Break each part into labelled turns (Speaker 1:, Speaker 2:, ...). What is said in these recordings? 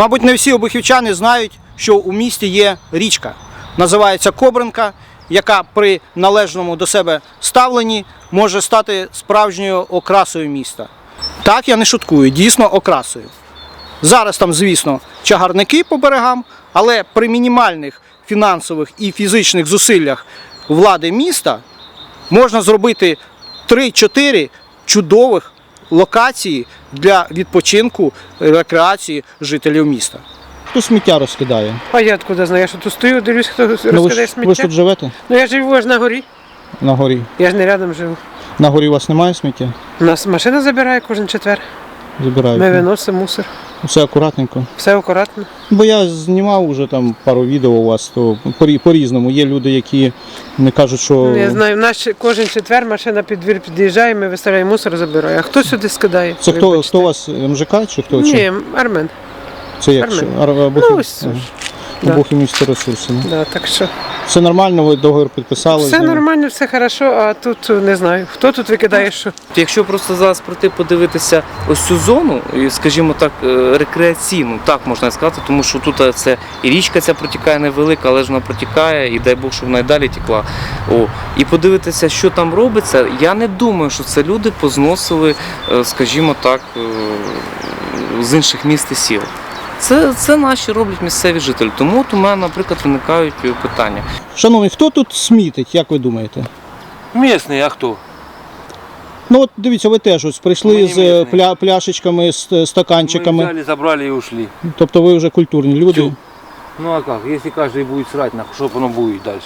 Speaker 1: Мабуть, не всі обухівчани знають, що у місті є річка. Називається Кобринка, яка при належному до себе ставленні може стати справжньою окрасою міста. Так, я не шуткую, дійсно окрасою. Зараз там, звісно, чагарники по берегам, але при мінімальних фінансових і фізичних зусиллях влади міста можна зробити 3-4 чудових локації для відпочинку, рекреації жителів міста. Хто сміття розкидає?
Speaker 2: А я откуда знаю? Я що тут стою, дивлюсь, хто
Speaker 1: Ви
Speaker 2: розкидає
Speaker 1: ж
Speaker 2: сміття.
Speaker 1: тут живете?
Speaker 2: Ну я живу аж на горі.
Speaker 1: На горі.
Speaker 2: Я ж не рядом живу.
Speaker 1: На горі у вас немає сміття?
Speaker 2: У нас машина забирає кожен четвер.
Speaker 1: Забирають.
Speaker 2: Ми виносимо мусор.
Speaker 1: Все акуратненько.
Speaker 2: Все акуратно.
Speaker 1: Бо я знімав вже там пару відео у вас, то по-різному. Є люди, які не кажуть, що...
Speaker 2: Я знаю, в нас кожен четвер машина під двір під'їжджає, ми виставляємо мусор, забирає. А хто сюди скидає?
Speaker 1: Це хто у вас, МЖК чи хто?
Speaker 2: Ні, Армен.
Speaker 1: Це як?
Speaker 2: Армен. Ну, ось. Да.
Speaker 1: Обухів місті ресурси.
Speaker 2: Да, так що.
Speaker 1: Все нормально, ви договір підписали?
Speaker 2: Все нормально, все хорошо, а тут не знаю. Хто тут викидає що?
Speaker 3: Якщо просто зараз пройти подивитися ось цю зону, і, скажімо так, рекреаційну, так можна сказати, тому що тут це і річка ця протікає невелика, але ж вона протікає, і дай Бог, щоб вона й далі текла. І подивитися, що там робиться, я не думаю, що це люди позносили, скажімо так, з інших міст і сіл. Це наші роблять місцеві жителі, тому от у мене, наприклад, виникають питання.
Speaker 1: Шановні, хто тут смітить, як ви думаєте?
Speaker 4: Місний, а хто?
Speaker 1: Ну от дивіться, ви теж ось прийшли
Speaker 4: Ми
Speaker 1: з
Speaker 4: не місні.
Speaker 1: пляшечками, з
Speaker 4: Мы
Speaker 1: стаканчиками.
Speaker 4: взяли, забрали и ушли.
Speaker 1: Тобто ви вже культурні люди.
Speaker 4: Чё? Ну а как, если каждый будет срать, что оно будет дальше?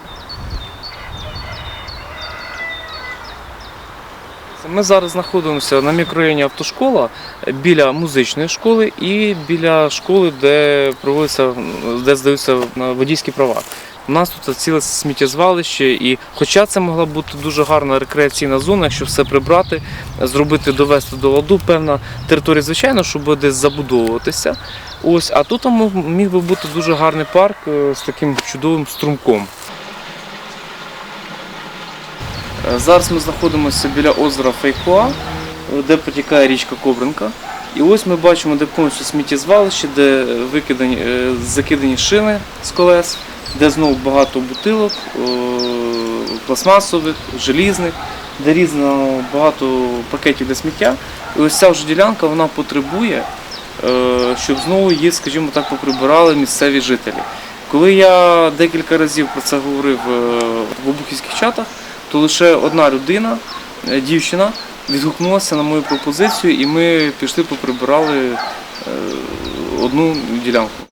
Speaker 3: Ми зараз знаходимося на мікрорайоні Автошкола біля музичної школи і біля школи, де здаються водійські права. У нас тут ціле сміттєзвалище, і хоча це могла бути дуже гарна рекреаційна зона, якщо все прибрати, зробити, довести до ладу, певна територія, звичайно, що буде десь забудовуватися. Ось, а тут міг би бути дуже гарний парк з таким чудовим струмком. Зараз ми знаходимося біля озера Фейхоа, де протікає річка Кобринка. І ось ми бачимо, де повністю сміттєзвалище, де закидані шини з колес, де знову багато бутилок, пластмасових, желізних, де різно багато пакетів для сміття. І ось ця вже ділянка, вона потребує, щоб знову її, скажімо так, поприбирали місцеві жителі. Коли я декілька разів про це говорив в обухівських чатах, то лише одна людина, дівчина, відгукнулася на мою пропозицію, і ми пішли поприбирали одну ділянку.